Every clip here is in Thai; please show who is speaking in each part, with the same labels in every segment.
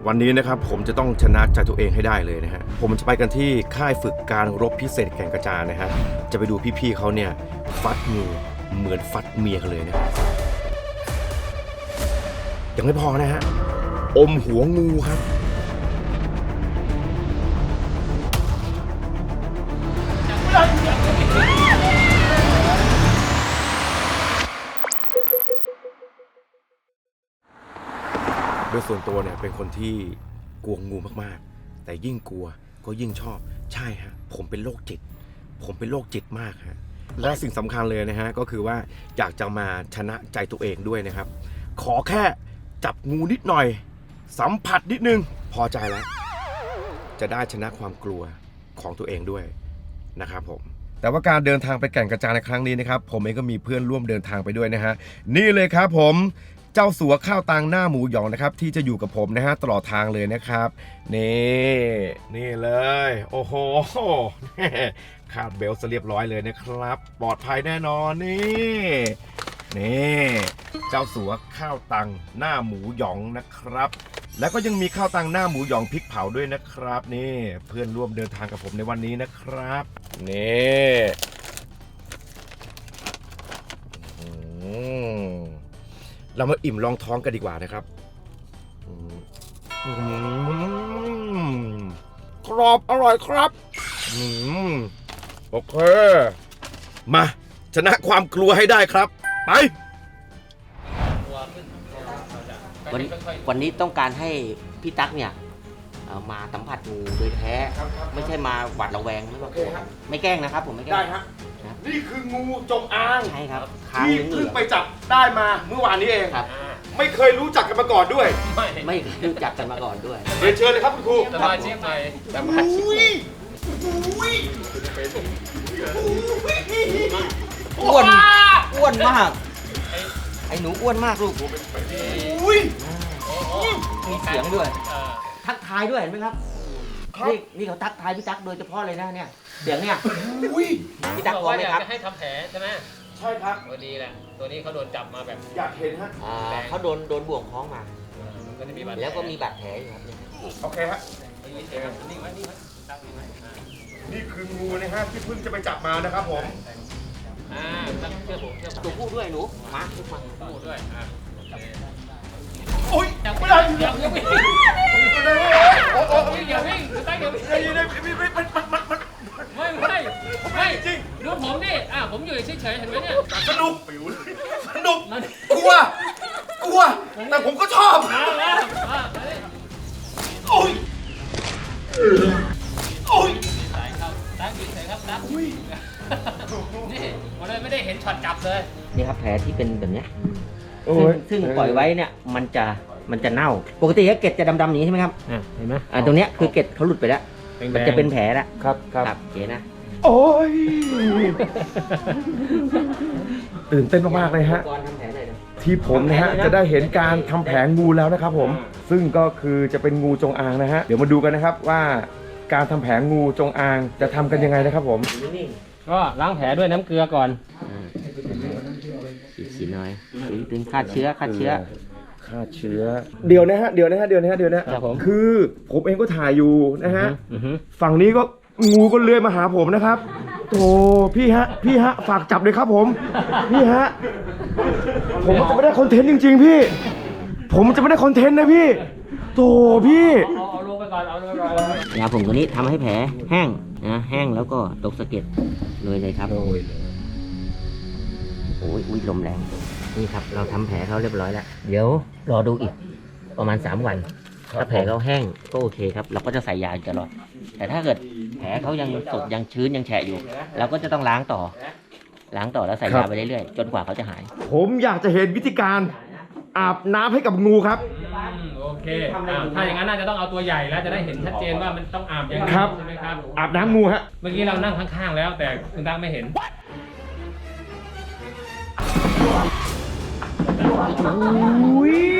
Speaker 1: วันนี้นะครับผมจะต้องชนะใจตัวเองให้ได้เลยนะฮะผมจะไปกันที่ค่ายฝึกการรบพิเศษแก่งกระจานนะฮะจะไปดูพี่ๆเขาเนี่ยฟัดงูเหมือนฟัดเมียกันเลยนะยังไม่พอนะฮะอมหัวงูครับโดยส่วนตัวเนี่ยเป็นคนที่กลัวงูมากๆแต่ยิ่งกลัวก็ยิ่งชอบใช่ฮะผมเป็นโรคจิตมากฮะและสิ่งสำคัญเลยนะฮะก็คือว่าอยากจะมาชนะใจตัวเองด้วยนะครับขอแค่จับงูนิดหน่อยสัมผัสนิดนึงพอใจแล้วจะได้ชนะความกลัวของตัวเองด้วยนะครับผมแต่ว่าการเดินทางไปแก่งกระจานในครั้งนี้นะครับผมเองก็มีเพื่อนร่วมเดินทางไปด้วยนะฮะนี่เลยครับผมเจ้าสัวข้าวตังหน้าหมูหยองนะครับที่จะอยู่กับผมนะฮะตลอดทางเลยนะครับนี่เลยโอ้โหคาดเบลต์เรียบร้อยเลยนะครับปลอดภัยแน่นอนนี่เจ้าสัวข้าวตังหน้าหมูหยองนะครับแล้วก็ยังมีข้าวตังหน้าหมูหยองพริกเผาด้วยนะครับนี่เพื่อนร่วมเดินทางกับผมในวันนี้นะครับนี่เรามาอิ่มลองท้องกันดีกว่านะครับกรอบอร่อยครับโอเคมาชนะความกลัวให้ได้ครับไป
Speaker 2: วันนี้ต้องการให้พี่ตั๊กเนี่ยมาสัมผัสงูโดยแท้ไม่ใช่มาหวาดระแวงไม่ว่ากลัวไม่แกล้งนะครับผมไม่แกล้ง
Speaker 1: ได้ฮะนี่คืองูจงอาง
Speaker 2: ใช่ครับ
Speaker 1: ที่เพิ่งไปจับได้มาเมื่อวานนี้เอง
Speaker 2: ครับ
Speaker 1: ไม่เคยรู้จักกันมาก่อนด้วย
Speaker 2: ไม่รู้จักกันมาก่อนด้วย
Speaker 1: เรียนเชิญเลยครับคุณครู
Speaker 3: สมาชิกใหม่สมาชิกใหม่
Speaker 2: อ้วนมากไอ้หนูอ้วนมากลูกมีเสียงด้วยทักทายด้วยเห็นไหมครับนี่เขาทักทายพี่ตั๊กโดยเฉพาะเลยนะเนี่ยเสียงเนี่ยพี่ตั๊กพร้อมไหมครับ
Speaker 3: จะให้ทำแผลใช่ไหม
Speaker 1: ใช่ครับ
Speaker 3: ตัวดีแหละตัวนี้เขาโดนจับมาแบบ
Speaker 1: อยากเห็นฮะ
Speaker 2: เขาโดนบ่วงคล้องมา
Speaker 3: ก็จะมีบาด
Speaker 2: แล้วก็มีบาดแผลอยู่ครับ
Speaker 1: โอเคฮะ
Speaker 3: นิ่งไว้ตั้งนิ่งไว้
Speaker 1: นี่คืองูนะฮะที่เพิ่งจะไปจับมานะครับผม
Speaker 3: เชื่อผม
Speaker 2: ตัวผู้ด้วยหนูมาขึ้นมา
Speaker 3: พูดด้วย
Speaker 1: โอ้ย
Speaker 3: อย่า
Speaker 1: ไม่
Speaker 3: วิ่
Speaker 1: ได้
Speaker 3: งอย่าวิ่งอย่าวิ่งตั้งอย่าวิ่งไม่จริงดูผมดิผมอยู่เฉยๆเห็นไหมเนี่ย
Speaker 1: สนุกกลัวแต่ผมก็ชอบโอ้ย
Speaker 3: สายครับตั้งอยู่เฉยครับตั้งนี่วันนี้ไม่ได้เห็นช็อตจับเลย
Speaker 2: นี่ครับแผลที่เป็นแบบเนี้ยซึ่งปล่อยไว้เนี่ยมันจะเน่าปกติเกล็ดจะดำๆอย่างนี้ใช่ไหมครับ
Speaker 3: เห็นไหม
Speaker 2: ตรงเนี้ยคือเกล็ดเขาหลุดไปแล้วมันจะเป็นแผลแล้ว
Speaker 1: ครับ
Speaker 2: เก๋นะ
Speaker 1: โอ้ยตื่นเต้นมากๆเลยฮะ
Speaker 2: ก่อนทำแผลหน่อยนะ
Speaker 1: ที่ผมนะฮะจะได้เห็นการทำแผลงูแล้วนะครับผมซึ่งก็คือจะเป็นงูจงอางนะฮะเดี๋ยวมาดูกันนะครับว่าการทำแผลงูจงอางจะทำกันยังไงนะครับผม
Speaker 3: ก็ล้างแผลด้วยน้ำเกลือก่อน
Speaker 2: สีน้อยดึงฆ่าเชื้อ
Speaker 1: เดี๋ยวนะฮะ
Speaker 3: ครับผม
Speaker 1: คือผมเองก็ถ่ายอยู่นะฮะฝั่งนี้ก็งูก็เลื้อยมาหาผมนะครับโธ่พี่ฮะฝากจับเลยครับผมพี่ฮะผมจะไม่ได้คอนเทนต์จริงๆพี่ผมจะไม่ได้คอนเทนต์นะพี่โธ่พี่
Speaker 3: เอาลงไปก่อน
Speaker 2: ยาผงตัวนี้ทำให้แผลแห้งนะแห้งแล้วก็ตกสะเก็ดเลยครับโอ้ยลมแรงนี่ครับเราทำแผลเขาเรียบร้อยแล้วเดี๋ยวรอดูอีกประมาณ3 วันถ้าแผลเขาแห้งก็โอเคครับเราก็จะใส่ยาตลอดแต่ถ้าเกิดแผลเขายังสดยังชื้นยังแฉะอยู่เราก็จะต้องล้างต่อแล้วใส่ยาไปเรื่อยๆจนกว่าเขาจะหาย
Speaker 1: ผมอยากจะเห็นวิธีการอาบน้ำให้กับงูครับ
Speaker 3: โอเคถ้าอย่างนั้นน่าจะต้องเอาตัวใหญ่แล้วจะได้เห็นชัดเจนว่ามันต้องอาบยังไง
Speaker 1: ครับ
Speaker 3: ใช่ไหมครับ
Speaker 1: อาบน้ำงูฮะ
Speaker 3: เมื่อกี้เรานั่งข้างๆแล้วแต่คุณตั้งไม่เห็น
Speaker 1: อุ้ย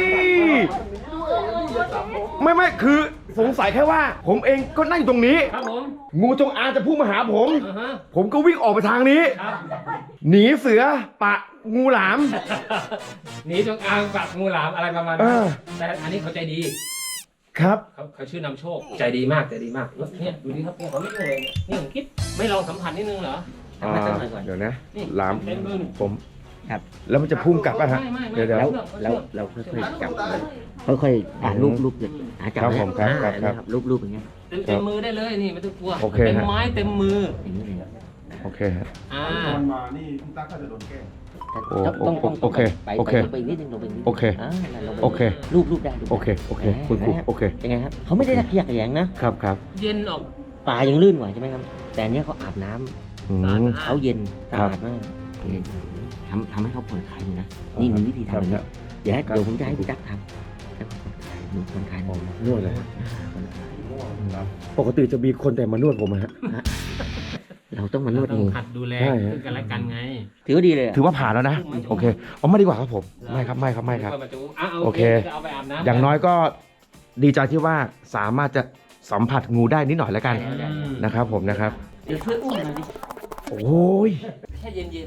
Speaker 1: ไม่คือสงสัยแค่ว่า ผมเองก็นั่งอยู่ตรงนี้
Speaker 3: ครับผม
Speaker 1: งูจงอางจะพุ่งมาหาผม ผมก็วิ่งออกไปทางนี้
Speaker 3: ครับ
Speaker 1: หนีเสือปะงูหลาม
Speaker 3: หนีจงอางปักงูหลามอะไรประมาณ
Speaker 1: เอ
Speaker 3: นั้น
Speaker 1: อ
Speaker 3: แต่อันนี้เขาใจดี
Speaker 1: ครับ
Speaker 3: เขาชื่อนำโชคใจดีมากใจดีมากเนี่ยดูดิครับเนี่ยเขาไม่ยุ่งเลยเนี่ยผมคิดไม่ลองสัมผัสนิดนึงเหรอ
Speaker 2: ทำให้สักหน่อยก่อน
Speaker 1: เดี๋ยวนะ
Speaker 3: นี่
Speaker 1: ลาม
Speaker 3: เต็มมือ
Speaker 1: ผม
Speaker 2: ครับ
Speaker 1: แล้วมันจะพุ่งกลับป่ะฮะ
Speaker 3: ไม่
Speaker 1: เดี๋ยว
Speaker 2: เราค่อยๆจับค่อยๆรูปเลยจับ
Speaker 1: ครับ
Speaker 2: นะ
Speaker 1: ผมครับครับ
Speaker 2: นะครับรูปอย่างเงี้ย
Speaker 3: เต็มมือได้เลยนี่ไม่ต้องกลัว
Speaker 1: โอเค
Speaker 3: เต็ม
Speaker 1: ฮะ
Speaker 3: ไม้เต็มมือ
Speaker 2: อย่างนี้เลย
Speaker 1: โอเคฮะ
Speaker 3: อ่า
Speaker 4: ตอนมานี่พี่ตั๊กก็จะโดนแกล้ง
Speaker 2: ต้อง
Speaker 1: โอเค
Speaker 2: ไป
Speaker 1: โอเค
Speaker 2: ไปอีกนิดนึงลงไปอีกนิดนึง
Speaker 1: โอเค
Speaker 2: ลงไป
Speaker 1: โอเค
Speaker 2: รูปได้
Speaker 1: โอเคโอเคคุณครูโอเค
Speaker 2: ยังไงครับเขาไม่ได้ตะเกียกแยงนะครับ
Speaker 1: ครับ
Speaker 3: เย็นออก
Speaker 2: ปลายังลื่นกว่าใช่ไหมครับ แต่อันเนี้ยเขาอาบน้ำ
Speaker 1: อืม
Speaker 2: เขาเย็นสะ
Speaker 1: ครับ
Speaker 2: อาดมากทำให้เขาผ่อนคลายเลยนะนี่มีวิธี
Speaker 1: ครั
Speaker 2: ทำ
Speaker 1: บ
Speaker 2: นะเดี๋ยวผมจะให้พี่ตั๊กทำให้ผ่อนคลายหนูผ่อนคลาย
Speaker 1: นวดเลย
Speaker 2: ผ่อนคลาย
Speaker 1: ปกติจะมีคนแต่มานวดผมอะฮะ
Speaker 2: เราต้องมานวด
Speaker 3: ต้
Speaker 2: เอ
Speaker 3: อง
Speaker 2: ง
Speaker 3: หัดดูแล
Speaker 1: ใช่ฮะ
Speaker 3: ซึ่งกันและกันไง
Speaker 2: ถือว่าดีเลยอะ
Speaker 1: ถือว่าผ่านแล้วนะ โอเคเอาไม่ดีกว่าครับผม ไม่ครับไม่ครับไม่ครับ โอเค
Speaker 3: จะเอาไปอาบน้ำ
Speaker 1: อย่างน้อยก็ดีใจที่ว่าสามารถจะสัมผัสงูได้นิดหน่อยแล้วกัน นะครับผมนะครับ
Speaker 2: เดี๋ยวช่วยอุ้มหน่อยดิ
Speaker 1: โอ้ย
Speaker 3: แค่เย็น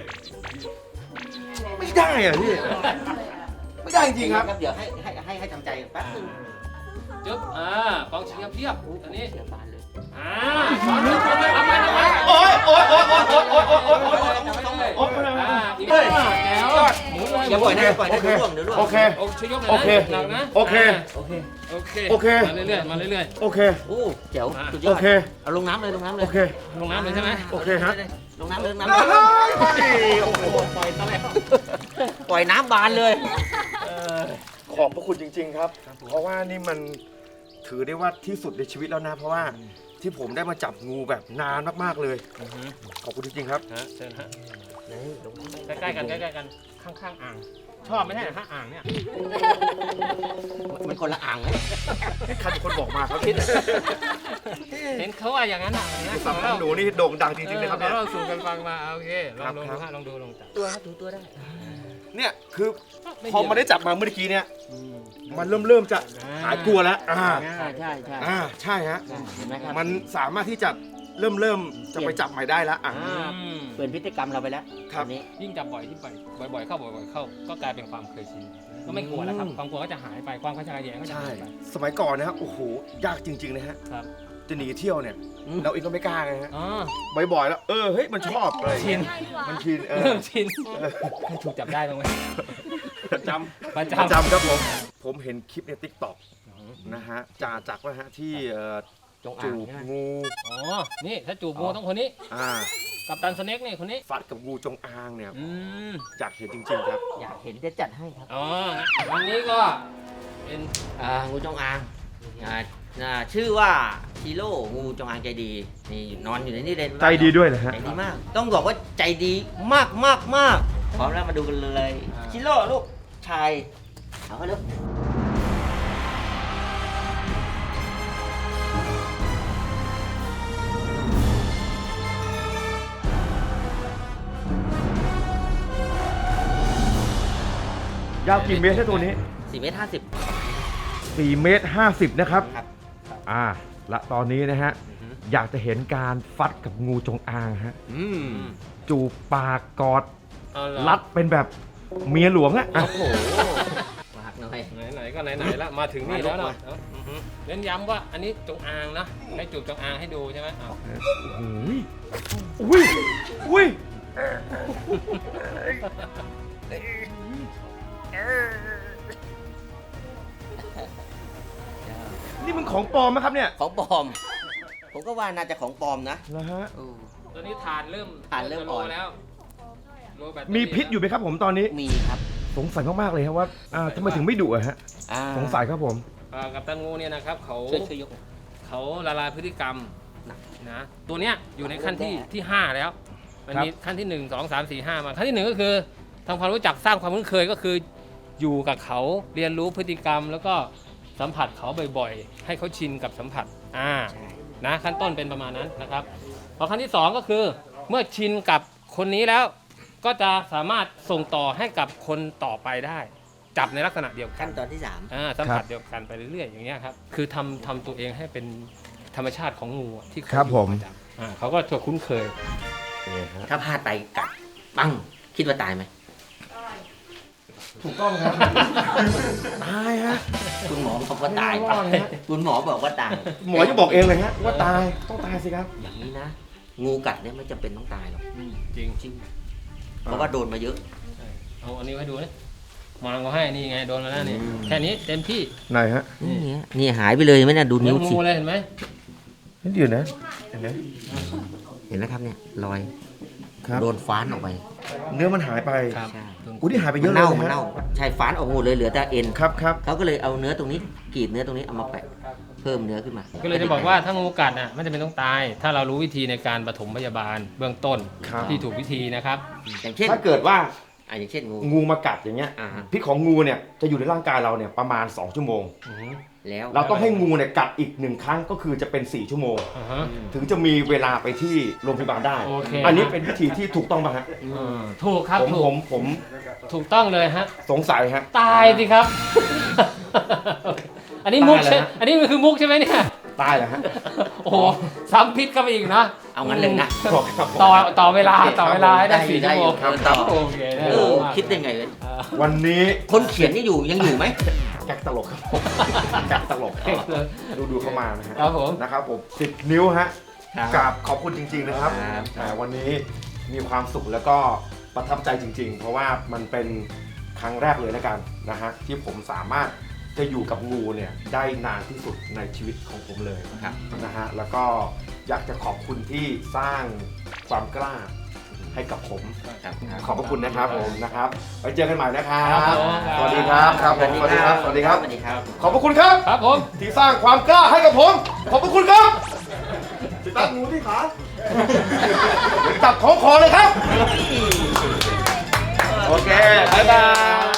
Speaker 1: ไม่ได้อ่ะพี่ ไม่ได้จริงครับ
Speaker 2: เดี๋ยวให้ทำใจแป๊บนึง
Speaker 3: ๆจึ๊บกองเชียร์เพียบตอนนี้
Speaker 2: เสียบานเลย
Speaker 3: สอนลูกคนไปเอาไปเอาไป
Speaker 1: โอ๊ยโอ๊ยโอ๊ยโอ๊ยโอ๊ยโอ๊ยโอ๊ยโอ๊ย
Speaker 3: โอ้ยอีกแก้วหมุนเลย
Speaker 2: อย่าปล่อยนะอย่าปล่อยนะ
Speaker 1: โอเค
Speaker 2: เดี๋ยวร่วง
Speaker 1: โอเค
Speaker 3: โอ้ช่วยยกเลย
Speaker 1: โอเค
Speaker 3: นะหนักนะ
Speaker 1: โอเค
Speaker 2: โอเค
Speaker 3: โอเค
Speaker 1: โอเค
Speaker 3: มาเรื่อยๆมาเรื่อย
Speaker 1: โอเค
Speaker 2: โอ้เจ๋วสุดย
Speaker 1: โอ
Speaker 2: อด
Speaker 1: เค
Speaker 2: เอาลงน้ำเลยลงน้ำเล
Speaker 1: โอย เค
Speaker 3: ๆลงน้ำเลยใช่ไหม
Speaker 1: โอเคฮะ
Speaker 2: ลงน้ำเลยลงน้ำเลย
Speaker 1: โอ้โห
Speaker 3: ปล่อยตะแล้ว
Speaker 2: ปล่อยน้ำบานเลย
Speaker 1: ขอบพระคุณจริง ๆ ครับ เพราะว่านี่มันถือได้ว่าที่สุดในชีวิตแล้วนะ เพราะว่าที่ผมได้มาจับงูแบบนานมากๆเลย ขอบคุณจริงๆครับ
Speaker 3: ฮะเชิญฮะใกล้ๆกันใกล้ๆกันข้างๆอ่าง ชอบไม่ใช่เหรอฮะอ่างเนี่ย
Speaker 2: มันคนละอ่างไหม
Speaker 1: ใครเป็นคนบอกมาครับ
Speaker 3: เห็นเขาว่าอย่างนั้นอ่ะนะ
Speaker 1: สับของหนูนี่โด่งดังจริงๆนะครับเนี่ย
Speaker 3: เราสู่กันฟังมาโอเคลองดู
Speaker 1: ครับ
Speaker 3: ฮะลองดูลองจับ
Speaker 2: ตัวครับถูตัวได้
Speaker 1: เนี่ยคือพอมาได้จับมาเมื่อกี้เนี่ย มันเริ่มจะหายกลัวแล้ว
Speaker 2: ใช่ใช่
Speaker 1: ใช่ฮะ
Speaker 2: เห็นไหมครับ
Speaker 1: มันสามารถที่จะเริ่มจะไปจับใหม่ได้แล้ว
Speaker 2: เปลี่ยนพฤติกรรมเราไปแล้ว
Speaker 1: ครับ
Speaker 2: อันนี้
Speaker 3: ยิ่งจับบ่อยที่บ่อยๆเข้าบ่อยๆเข้า ก็กลายเป็นความเคยชินก็ไม่กลัวแล้วครับความกลัวก็จะหายไปความขยงก็จะ
Speaker 1: ใช่
Speaker 3: หายไป
Speaker 1: สมัยก่อนนะครับโอ้โหยากจริงๆนะฮะ
Speaker 3: ครับ
Speaker 1: จะหนีเที่ยวเนี่ยเราเองก็ไม่กล้าไงฮะ
Speaker 3: อ๋อ
Speaker 1: บ่อยๆแล้วเฮ้ยมันชอบเลย
Speaker 3: ชิน
Speaker 1: มันชิน
Speaker 3: เริ่มชินให้ถูกจับได้บ้างไหม
Speaker 1: ประจ
Speaker 3: ประ
Speaker 1: ำ
Speaker 3: จ
Speaker 1: ประจำครับผมเห็นคลิปในทิกตอกนะฮะจากว่าฮะที่
Speaker 2: จง
Speaker 1: จู
Speaker 2: อ่าง
Speaker 1: บ
Speaker 2: ใช่ไหม
Speaker 1: งู
Speaker 3: ำอ๋อ นี่ถ้าจูบงูต้องคนนี้ กับตันสเน็กนี่คนนี้
Speaker 1: ฟัดกับงูจงอางเนี่ย
Speaker 3: อืม
Speaker 1: อยากเห็นจริงๆครับ
Speaker 2: อยากเห็นจะจัดให้ครับ
Speaker 3: อ๋อวันนี้ก็เป็น
Speaker 2: งูจงอางชื่อว่าชิโร่งูจงอางใจดีนี่นอนอยู่ในนี่เลย
Speaker 1: ใจดีด้วยนะฮะ
Speaker 2: ใจดีมาก ต้องบอกว่าใจดีมากมากมากพร้อมแล้วมาดูกันเลยชิโร่ลูกชายเอาเขาลูก
Speaker 1: ยาวกี่เมตรใช่ตัวนี้
Speaker 2: 4 เมตร 50
Speaker 1: 4 เมตร 50 นะครับ
Speaker 2: ครับ
Speaker 1: และตอนนี้นะฮะ อยากจะเห็นการฟัดกับงูจงอางฮะ จูบปากกอด
Speaker 3: เอาเหรอ
Speaker 1: รัดเป็นแบบเมียหลวงอะ
Speaker 2: โอ้โหมากหน่อย
Speaker 3: ไหนๆก็ไหนๆแล้วมาถึงนี่แล้วเนาะเน้นย้ำว่าอันนี้จงอางนะให้จูบจงอางให้ดูใช่ไหมอ้าว
Speaker 1: อุ้ยอุ้ยนี่มันของปลอมไหมครับเนี่ย
Speaker 2: ของปลอม ผมก็ว่าน่าจะของปลอมนะ
Speaker 1: นะฮะ
Speaker 3: ตอนนี้ทานเริ่ม
Speaker 2: ถ่านเริ่มอ่อน
Speaker 3: แล้วโลแบตเตอรี่
Speaker 1: มีพิษอยู่ไหมครับผมตอนนี้
Speaker 2: มีครับ
Speaker 1: สงสัยมากๆเลยครับว่าทำไมถึงไม่ดุอะฮะ สงสัยครับผม
Speaker 3: กับตันงูเนี่ยนะครับเขา
Speaker 2: ช่วยยก
Speaker 3: เขาละลายพฤติกรรมนะตัวเนี้ยอยู่ในขั้นที่ 5 แล้ว มันมีขั้นที่ 1 2 3 4 5 มาขั้นที่ 1 ก็คือทำความรู้จักสร้างความคุ้นเคยก็คืออยู่กับเขาเรียนรู้พฤติกรรม แล้วก็สัมผัสเขาบ่อยๆ ให้เขาชินกับสัมผัสนะขั้นต้นเป็นประมาณนั้นนะครับพอขั้นที่ 2 ก็คือเมื่อชินกับคนนี้แล้ว ก็จะสามารถส่งต่อให้กับคนต่อไปได้ จับในลักษณะเดียวกัน
Speaker 2: ขั้นตอนที่
Speaker 3: สัมผัสเดียวกันไปเรื่อยๆอย่างเงี้ยครับคือทำตัวเองให้เป็นธรรมชาติของงูที่เขา
Speaker 1: ครับผม
Speaker 3: อยู่ประจำเขาก็จะคุ้นเคย
Speaker 2: 3 ถ้าพลาดไปกัดปังคิดว่าตายไหม
Speaker 1: ถูกต้องครับ ตายฮะ
Speaker 2: คุณหมอบอกว่าตาย
Speaker 1: ไม่รอดนะฮะ
Speaker 2: คุณหมอบอกว่าตาย
Speaker 1: หมอจะบอกเองเลยฮะว่าตายต้องตายสิครับ
Speaker 2: อย่างนี้นะ งูกัดเนี่ยไม่จำเป็นต้องตายหรอก
Speaker 3: จริง
Speaker 2: จริงเพราะว่าโดนมาเยอะ
Speaker 3: เอาอันนี้ให้ดูนะมางก็ให้นี่ไงโดนมาแล้วนี่
Speaker 2: อืม
Speaker 3: แค่นี้เต็มที่
Speaker 1: ไหนฮะ
Speaker 2: นี่หายไปเลยไหมนะดูนิ้ว
Speaker 3: เหมือน
Speaker 2: สิ
Speaker 3: งูเลยเห็นไหม
Speaker 1: นี่เดี๋ยวนะเห็นไหม
Speaker 2: เห็นไหมครับเนี่ยรอย
Speaker 1: ครับ
Speaker 2: โดนฟ้านออกไป
Speaker 1: เนื้อมันหายไป
Speaker 3: ครับ
Speaker 2: ใช่
Speaker 1: อุ้ยนี่หายไปเย
Speaker 2: มั
Speaker 1: อะ
Speaker 2: น
Speaker 1: เลย
Speaker 2: เน่า
Speaker 1: นะ
Speaker 2: มัน
Speaker 1: ฮะ
Speaker 2: เน่าใช่ฟ้านออกหมดเลยเหลือแต่เอ็น
Speaker 1: ครับครับ
Speaker 2: เขาก็เลยเอาเนื้อตรงนี้กรีดเนื้อตรงนี้เอามาแปะเพิ่มเนื้อขึ้นมา
Speaker 3: ก็เลยจะบอกว่าถ้างูกัดน่ะไม่จำเป็นต้องตาย ถ้าเรารู้วิธีในการปฐมพยาบาลเบื้องต้น
Speaker 1: ครับ
Speaker 3: ที่ถูกวิธีนะครับ
Speaker 2: อย่างเช่น
Speaker 1: ถ้าเกิดว่า
Speaker 2: อย่างเช่นงู
Speaker 1: งูมากัดอย่างเงี้ย
Speaker 2: อ่าฮะ
Speaker 1: พิษของงูเนี่ยจะอยู่ในร่างกายเราเนี่ยประมาณ2ชั่วโมง
Speaker 2: แล้ว
Speaker 1: เราต้องให้งูเนี่ยกัดอีก1ครั้งก็คือจะเป็น4ชั่วโมง
Speaker 3: อ่าฮะ
Speaker 1: ถึงจะมีเวลาไปที่โรงพยาบาลได้
Speaker 3: โอเค
Speaker 1: อันนี้เป็นวิธีที่ถูกต้องป่ะฮะ
Speaker 3: ถูกครับ
Speaker 1: ผม
Speaker 3: ถูก
Speaker 1: ผม
Speaker 3: ถูกต้องเลยฮะ
Speaker 1: สงสัยฮะ
Speaker 3: ตายสิครับ อันนี้มุก
Speaker 1: ตาย
Speaker 3: ใช่
Speaker 1: แล้วฮะ
Speaker 3: อันนี้มันคือมุกใช่ไหมเนี่ย
Speaker 1: ตายแล้วฮะ
Speaker 3: โอ้โหซ้ำพิษเข้าไปอีกนะ
Speaker 2: เอางั้นเลยนะ
Speaker 1: ครับ
Speaker 3: ต่อเวลาต่อเวลาให้ได้
Speaker 2: ได้
Speaker 3: 4 ชั่วโมง
Speaker 2: ได้อยู่ครับ
Speaker 3: โอเคได้
Speaker 2: เออ
Speaker 3: มาก
Speaker 2: คิดได้ไงเว้ย
Speaker 3: อ่า
Speaker 1: วันนี้
Speaker 2: คนเขียนนี่ยังอยู่ไหม
Speaker 1: แก๊กตลกครับผมแก๊กตลก
Speaker 3: เก่งเลย
Speaker 1: ดูเข้ามานะฮะ
Speaker 3: ครับผม
Speaker 1: นะครับผม10 นิ้วฮะ
Speaker 2: ครับ
Speaker 1: กราบขอบคุณจริง ๆนะครับ
Speaker 2: ครับ
Speaker 1: วันนี้มีความสุขแล้วก็ประทับใจจริง ๆ เพราะว่ามันเป็นครั้งแรกเลยนะกันนะฮะที่ผมสามารถจะอยู่กับงูเนี่ยได้นานที่สุดในชีวิตของผมเลย
Speaker 2: ครับ
Speaker 1: นะฮะแล้วก็อยากจะขอบคุณที่สร้างความกล้าให้กับผม
Speaker 2: ครับ
Speaker 1: ขอบพระคุณนะครับผมนะครับไว้เจอกันใหม่นะครั
Speaker 3: ครับ
Speaker 1: บ
Speaker 3: ผม
Speaker 1: สวัสดีครับครับผมสวัสดีครับสวัสดีครับ
Speaker 2: สวัสดีครับ
Speaker 1: ขอบพระคุณครับ
Speaker 3: ครับผม
Speaker 1: ที่สร้างความกล้าให้กับผม ขอบพระคุณครับจับงูที่ขาจับของคอเลยครับ โอเค บ๊ายบาย